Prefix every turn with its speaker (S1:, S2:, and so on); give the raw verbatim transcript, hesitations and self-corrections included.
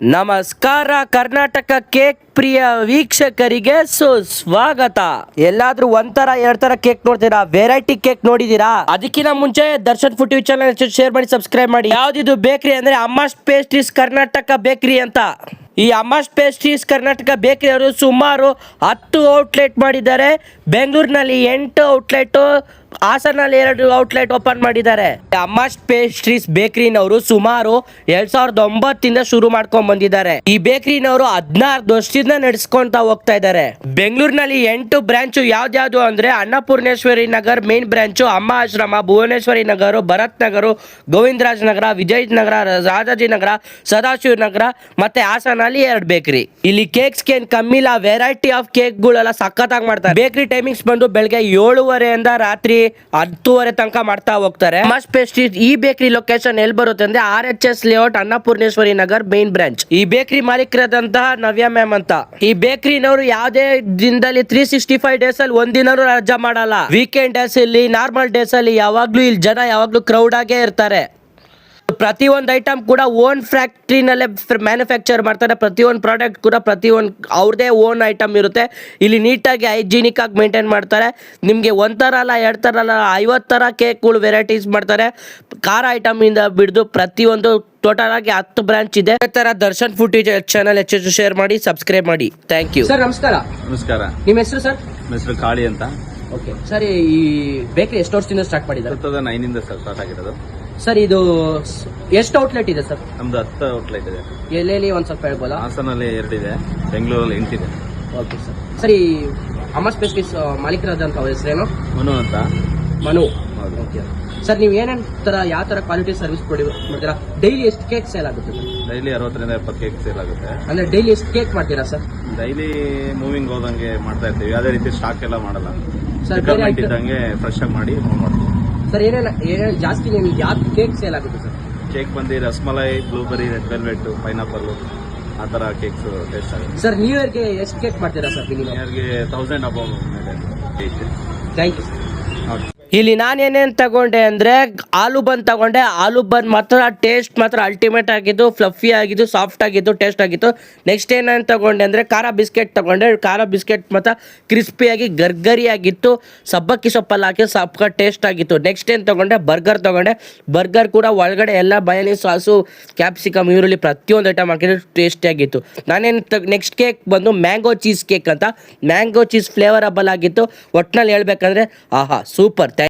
S1: ನಮಸ್ಕಾರ ಕರ್ನಾಟಕ ಕೇಕ್ ಪ್ರಿಯ ವೀಕ್ಷಕರಿಗೆ ಸುಸ್ವಾಗತ. ಎಲ್ಲಾದ್ರೂ ಒಂಥರ ಎರಡ್ ತರ ಕೇಕ್ ನೋಡ್ತೀರಾ, ವೆರೈಟಿ ಕೇಕ್ ನೋಡಿದೀರಾ? ಅದಕ್ಕಿಂತ ಮುಂಚೆ Darshan food TV channel share ಮಾಡಿ, ಸಬ್ಸ್ಕ್ರೈಬ್ ಮಾಡಿ. ಯಾವ್ದಿದು ಬೇಕರಿ ಅಂದ್ರೆ ಅಮ್ಮಾಸ್ ಪೇಸ್ಟ್ರೀಸ್ ಕರ್ನಾಟಕ ಬೇಕರಿ ಅಂತ. ಈ ಅಮ್ಮಾಸ್ ಪೇಸ್ಟ್ರೀಸ್ ಕರ್ನಾಟಕ ಬೇಕರಿ ಅವರು ಸುಮಾರು ಹತ್ತು ಔಟ್ಲೆಟ್ ಮಾಡಿದ್ದಾರೆ. ಬೆಂಗಳೂರಿನಲ್ಲಿ ಎಂಟು ಔಟ್ಲೆಟ್, ಹಾಸನಲ್ಲಿ ಎರಡು ಔಟ್ಲೆಟ್ ಓಪನ್ ಮಾಡಿದ್ದಾರೆ. ಅಮ್ಮಾಸ್ ಪೇಸ್ಟ್ರೀಸ್ ಬೇಕರಿನವರು ಸುಮಾರು ಎರಡ್ ಸಾವಿರದ ಒಂಬತ್ತಿಂದ ಶುರು ಮಾಡ್ಕೊಂಡ್ ಬಂದಿದ್ದಾರೆ. ಈ ಬೇಕರಿನವರು ಹದಿನಾರು ವರ್ಷದಿಂದ ನಡೆಸ್ಕೊಂತ ಹೋಗ್ತಾ ಇದ್ದಾರೆ. ಬೆಂಗಳೂರಿನಲ್ಲಿ ಎಂಟು ಬ್ರಾಂಚ್ ಯಾವ್ದ್ಯಾವ್ದು ಅಂದ್ರೆ ಅನ್ನಪೂರ್ಣೇಶ್ವರಿ ನಗರ್ ಮೇನ್ ಬ್ರಾಂಚು, ಅಮ್ಮ ಆಶ್ರಮ, ಭುವನೇಶ್ವರಿ ನಗರ, ಭರತ್ ನಗರ, ಗೋವಿಂದರಾಜ್ ನಗರ, ವಿಜಯ್ ನಗರ, ರಾಜಾಜಿ ನಗರ, ಸದಾಶಿವ ನಗರ ಮತ್ತೆ ಹಾಸನಲ್ಲಿ ಎರಡು ಬೇಕರಿ. ಇಲ್ಲಿ ಕೇಕ್ಸ್ ಏನ್ ಕಮ್ಮಿ ಇಲ್ಲ, ವೆರೈಟಿ ಆಫ್ ಕೇಕ್ ಗಳೆಲ್ಲ ಸಖತ್ತಾಗಿ ಮಾಡ್ತಾರೆ. ಬೇಕರಿ ಟೈಮಿಂಗ್ಸ್ ಬಂದು ಬೆಳಗ್ಗೆ ಏಳುವರೆಯಿಂದ ರಾತ್ರಿ ಹತ್ತುವರೆ ತನಕ ಮಾಡ್ತಾ ಹೋಗ್ತಾರೆ. ಅಮ್ಮಾಸ್ ಪೇಸ್ಟ್ರೀಸ್ ಈ ಬೇಕರಿ ಲೊಕೇಶನ್ ಎಲ್ಲಿ ಬರುತ್ತೆ ಅಂದ್ರೆ R H S layout, Annapoorneshwari Nagar main branch. ಈ ಬೇಕರಿ ಮಾಲೀಕರಾದಂತಹ ನವ್ಯ ಮ್ಯಾಮ್ ಅಂತ. ಈ ಬೇಕರಿನವರು ಯಾವುದೇ ದಿನದಲ್ಲಿ ತ್ರೀ ಸಿಕ್ಸ್ಟಿ ಫೈವ್ ಡೇಸ್ ಅಲ್ಲಿ ಒಂದಿನೂ ರಜಾ ಮಾಡಲ್ಲ. ವೀಕೆಂಡ್ ಡೇಸ್ ಅಲ್ಲಿ, ನಾರ್ಮಲ್ ಡೇಸ್ ಅಲ್ಲಿ ಯಾವಾಗ್ಲೂ ಇಲ್ಲಿ ಜನ ಯಾವಾಗ್ಲೂ ಕ್ರೌಡ್ ಆಗೇ ಇರ್ತಾರೆ. ಪ್ರತಿಯೊಂದು ಐಟಮ್ ಕೂಡ ಓನ್ ಫ್ಯಾಕ್ಟ್ರಿನಲ್ಲೇ ಮ್ಯಾನುಫ್ಯಾಕ್ಚರ್ ಮಾಡ್ತಾರೆ. ಪ್ರತಿಯೊಂದು ಪ್ರಾಡಕ್ಟ್ ಕೂಡ ಪ್ರತಿಯೊಂದು ಅವ್ರದೇ ಓನ್ ಐಟಮ್ ಇರುತ್ತೆ. ಇಲ್ಲಿ ನೀಟಾಗಿ ಹೈಜಿನಿಕ್ ಆಗಿ ಮೇಂಟೈನ್ ಮಾಡ್ತಾರೆ. ನಿಮಗೆ ಒಂಥರ ಅಲ್ಲ, ಎರಡು ಥರ ಅಲ್ಲ, ಐವತ್ತು ಥರ ಕೇಕ್ಗಳು ವೆರೈಟೀಸ್ ಮಾಡ್ತಾರೆ. ಖಾರ ಐಟಮ್ ಇಂದ ಬಿಡಿದು ಪ್ರತಿಯೊಂದು ಟೋಟಲ್ ಆಗಿ ಹತ್ತು ಬ್ರಾಂಚ್ ಇದೆ. ಅದೇ ತರ ದರ್ಶನ್ ಫುಡ್ ಚಾನಲ್ ಹೆಚ್ಚು ಶೇರ್ ಮಾಡಿ, ಸಬ್ಸ್ಕ್ರೈಬ್ ಮಾಡಿ. Thank you sir. ನಮಸ್ಕಾರ.
S2: ನಮಸ್ಕಾರ.
S1: ನಿಮ್ಮ ಹೆಸರು ಸರ್?
S2: ನನ್ನ ಹೆಸರು ಕಾಳಿ ಅಂತ.
S1: ಓಕೆ ಸರ್, ಈ ಬೇಕರಿ ಎಷ್ಟು ವರ್ಷದಿಂದ ಸ್ಟಾರ್ಟ್ ಮಾಡಿದ್ದಾರೆ?
S2: ಟೂ ತೌಸಂಡ್ ನೈನಿಂದ ಸ್ಟಾರ್ಟ್ ಆಗಿರೋದು
S1: ಸರ್. ಇದು ಎಷ್ಟು ಔಟ್ಲೆಟ್ ಇದೆ ಸರ್?
S2: ನಮ್ದು ಹತ್ತು ಔಟ್ಲೆಟ್ ಇದೆ.
S1: ಎಲ್ಲೆಲ್ಲಿ ಒಂದ್ ಸ್ವಲ್ಪ ಹೇಳ್ಬೋದಾ?
S2: ಹಾಸನಲ್ಲಿ ಎರಡಿದೆ, ಬೆಂಗಳೂರಲ್ಲಿ ಎಂಟಿದೆ.
S1: Okay sir. ಸರಿ, ಅಮ್ಮಾಸ್ ಪೇಸ್ಟ್ರೀಸ್ ಮಾಲೀಕರಾದಂಥ ಅವ್ರ ಹೆಸರೇನು?
S2: ಮನು ಅಂತ.
S1: ಮನು.
S2: ಹೌದು.
S1: ಓಕೆ ಸರ್, ನೀವು ಏನೇನು ತರ ಯಾವ ತರ ಕ್ವಾಲಿಟಿ ಸರ್ವಿಸ್ ಕೊಡಿ ಮಾಡ್ತೀರಾ? ಡೈಲಿ ಎಷ್ಟು ಕೇಕ್ ಸೇಲ್ ಆಗುತ್ತೆ ಸರ್?
S2: ಡೈಲಿ ಅರವತ್ತರಿಂದ ಎಪ್ಪತ್ತು ಕೇಕ್ ಸೇಲ್ ಆಗುತ್ತೆ.
S1: ಅಂದ್ರೆ ಡೈಲಿ ಎಷ್ಟು ಕೇಕ್ ಮಾಡ್ತೀರಾ ಸರ್?
S2: ಡೈಲಿ ಮೂವಿಂಗ್ ಹೋದಂಗೆ ಮಾಡ್ತಾ ಇರ್ತೀವಿ. ಯಾವುದೇ ರೀತಿ ಸ್ಟಾಕ್ ಎಲ್ಲ ಮಾಡಲ್ಲ.
S1: ಸರ್,
S2: ರಿಕ್ವೈರ್ಮೆಂಟ್ ಇದ್ದಂಗೆ ಫ್ರೆಶ್ ಆಗಿ ಮಾಡಿ ಮೂವ್ ಮಾಡ್ತೀವಿ.
S1: ಸರ್, ಏನೇನು ಏನೇನು ಜಾಸ್ತಿ ನಿಮ್ಗೆ ಯಾವ ಕೇಕ್ ಸೇಲ್ ಆಗುತ್ತೆ ಸರ್?
S2: ಕೇಕ್ ಬಂದು rasmalai, blueberry, red velvet, pineapple, ಆ ಥರ ಕೇಕ್ಸ್ ಟೇಸ್ಟ್ ಆಗುತ್ತೆ.
S1: ಸರ್, ನ್ಯೂ ಇಯರ್ಗೆ ಎಷ್ಟು ಕೇಕ್ ಮಾಡ್ತೀರಾ ಸರ್?
S2: ನ್ಯೂ ಇಯರ್ಗೆ ತೌಸಂಡ್ ಅಬೌವ್ ಮೇಲೆ.
S1: Thank you sir.
S2: ಓಕೆ.
S1: ಇಲ್ಲಿ ನಾನೇನೇನು ತಗೊಂಡೆ ಅಂದರೆ ಆಲೂ ಬನ್ ತಗೊಂಡೆ. ಆಲೂ ಬನ್ ಮಾತ್ರ ಟೇಸ್ಟ್ ಮಾತ್ರ ಅಲ್ಟಿಮೇಟ್ ಆಗಿದ್ದು, ಫ್ಲಫಿ ಆಗಿದ್ದು, ಸಾಫ್ಟ್ ಆಗಿದ್ದು, ಟೇಸ್ಟ್ ಆಗಿತ್ತು. ನೆಕ್ಸ್ಟ್ ಏನೇನು ತಗೊಂಡೆ ಅಂದರೆ ಖಾರ ಬಿಸ್ಕೆಟ್ ತಗೊಂಡೆ. ಖಾರ ಬಿಸ್ಕೆಟ್ ಮಾತ್ರ ಕ್ರಿಸ್ಪಿಯಾಗಿ ಗರ್ಗರಿ ಆಗಿತ್ತು, ಸಬ್ಬಕ್ಕಿ ಸೊಪ್ಪಲ್ಲಿ ಹಾಕಿ ಸಬ್ಬ ಟೇಸ್ಟ್ ಆಗಿತ್ತು. ನೆಕ್ಸ್ಟ್ ಏನು ತಗೊಂಡೆ? ಬರ್ಗರ್ ತಗೊಂಡೆ. ಬರ್ಗರ್ ಕೂಡ ಒಳಗಡೆ ಎಲ್ಲ ಬಯಾನಿ ಸಾಸು, ಕ್ಯಾಪ್ಸಿಕಮ್, ಈರುಳ್ಳಿ ಪ್ರತಿಯೊಂದು ಐಟಮ್ ಹಾಕಿದ್ರೆ ಟೇಸ್ಟಿಯಾಗಿತ್ತು. ನಾನೇನು ತ ನೆಕ್ಸ್ಟ್ ಕೇಕ್ ಬಂದು ಮ್ಯಾಂಗೋ ಚೀಸ್ ಕೇಕ್ ಅಂತ. ಮ್ಯಾಂಗೋ ಚೀಸ್ ಫ್ಲೇವರಬಲ್ ಆಗಿತ್ತು. ಒಟ್ಟಿನಲ್ಲಿ ಹೇಳ್ಬೇಕಂದ್ರೆ ಆಹಾ ಸೂಪರ್.